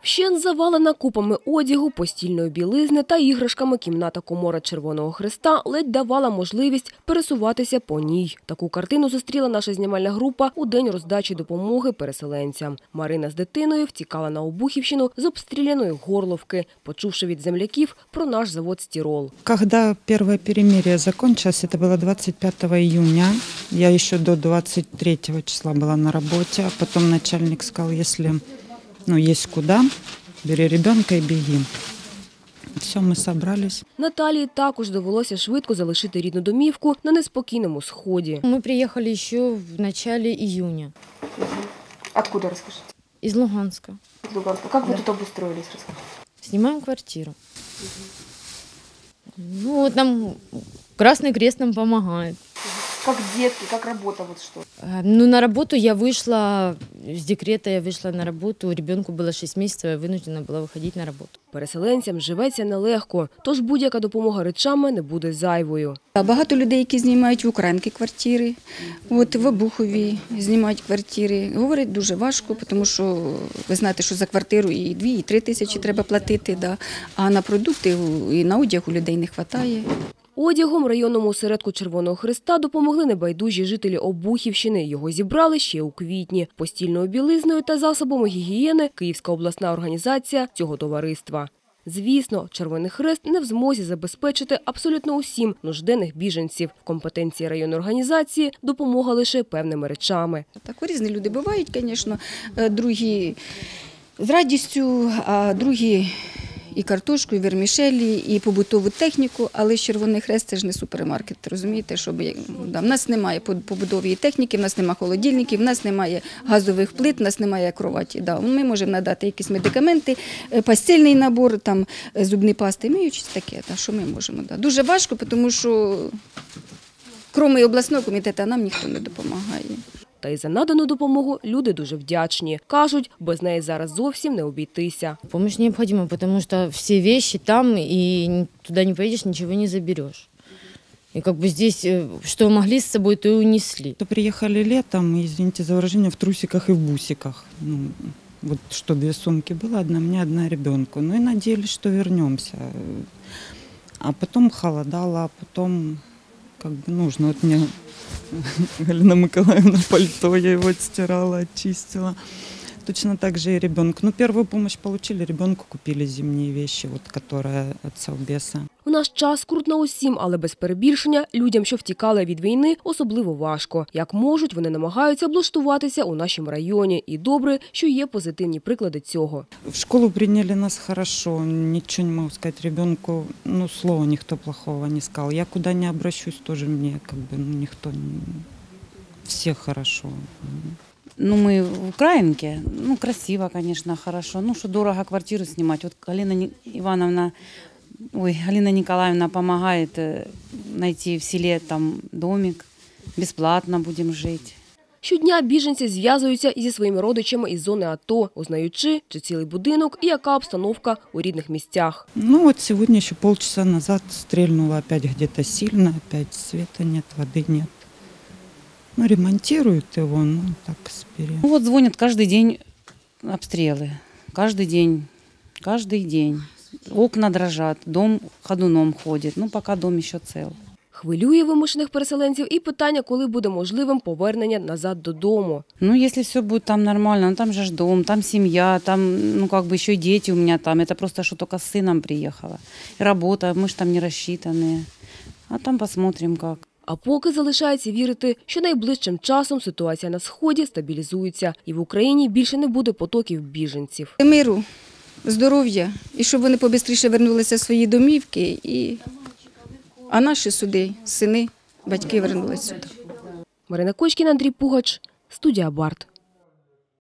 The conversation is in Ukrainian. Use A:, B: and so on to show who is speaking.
A: Вщент завалена купами одягу, постільної білизни та іграшками кімната-комора Червоного Хреста ледь давала можливість пересуватися по ній. Таку картину зустріла наша знімальна група у день роздачі допомоги переселенцям. Марина з дитиною втікала на Обухівщину з обстріляної Горловки, почувши від земляків про наш завод «Стирол».
B: Когда первое перемирие закончилось, это было 25 июня, я еще до 23 числа была на работе, а потом начальник сказал, если есть куда, бери ребенка и беги. Все, ми собрались.
A: Наталії також довелося швидко залишити рідну домівку на неспокійному сході.
C: Мы приехали еще в начале июня.
A: Откуда, расскажите?
C: Из Луганска.
A: Из Луганска. Как вы тут обустроились, расскажите?
C: Снимаем квартиру. Нам Красный Крест нам помогает.
A: Как детки, как работа, вот что?
C: На работу я вышла, с декрета я вышла на работу, ребенку было 6 месяцев, я вынуждена была выходить на работу.
A: Переселенцям живеться нелегко, тож будь-яка допомога речами не буде зайвою.
D: Багато людей, які знімають в Українки квартири, в Обухові знімають квартири. Говорять, дуже важко, тому що ви знаєте, що за квартиру і 2, і 3 тисячі треба платити, а на продукти і на одяг у людей не вистачає.
A: Одягом районному осередку Червоного Хреста допомогли небайдужі жителі Обухівщини. Його зібрали ще у квітні. Постільною білизною та засобами гігієни Київська обласна організація цього товариства. Звісно, Червоний Хрест не в змозі забезпечити абсолютно усім нужденних біженців. В компетенції районної організації допомога лише певними речами.
D: Так, різні люди бувають, звісно, другі з радістю, а другі і картошку, і вермішелі, і побутову техніку, але Червоний Хрест – це ж не супермаркет, розумієте? В нас немає побутової техніки, в нас немає холодильників, в нас немає газових плит, в нас немає кроваті. Ми можемо надати якісь медикаменти, постільний набор, зубні пасти, миючись таке, що ми можемо. Дуже важко, тому що крім обласного комітету нам ніхто не допомагає.
A: Та й за надану допомогу люди дуже вдячні. Кажуть, без неї зараз зовсім не обійтися.
C: Помощь необходима, потому что все вещи там, и туда не поедешь, ничего не заберешь. И здесь, что могли с собой, то и унесли.
B: Приехали летом, извините за выражение, в трусиках и в бусиках. Что 2 сумки было, одна мне, одна ребенку. И надеялись, что вернемся. А потом холодало, а потом нужно. Мне Галина Миколаевна пальто, я его отстирала, очистила. Точно так же и ребенку. Первую помощь получили, ребенку купили зимние вещи, которые от Совбеза.
A: У наш час скрутно усім, але без перебільшення людям, що втікали від війни, особливо важко. Як можуть, вони намагаються облаштуватися у нашому районі. І добре, що є позитивні приклади цього.
B: В школу прийняли нас хорошо, нічого не можу сказати ребенку, слова ніхто плохого не сказав. Я куди не обращусь, теж мені ніхто, всі хорошо.
E: Мы в Украинке, красиво, конечно, хорошо. Что дорого квартиру снимать. Галина Николаевна помогает найти в селе домик. Бесплатно будем жить.
A: Щодня біженці зв'язуються зі своїми родичами із зони АТО, узнаючи, чи цілий будинок і яка обстановка у рідних місцях.
B: Сегодня еще полчаса назад стрельнуло опять где-то сильно, опять света нет, воды нет. Ремонтируют его, так спери.
E: Звонят каждый день обстрелы. Каждый день. Окна дрожат, дом ходуном ходит. Пока дом еще цел.
A: Хвилює вимушених переселенців і питання, коли буде можливим повернення назад додому.
E: Если все будет там нормально, там же дом, там семья, там еще и дети у меня там. Это просто, что только с сыном приехала. И работа, мы же там не рассчитанные. А там посмотрим как.
A: А поки залишається вірити, що найближчим часом ситуація на Сході стабілізується і в Україні більше не буде потоків біженців.
D: Миру, здоров'я і щоб вони побистріше вернулися в свої домівки, а наші сини, батьки вернулися сюди.
A: Марина Кочкіна, Андрій Пугач, студія Барт.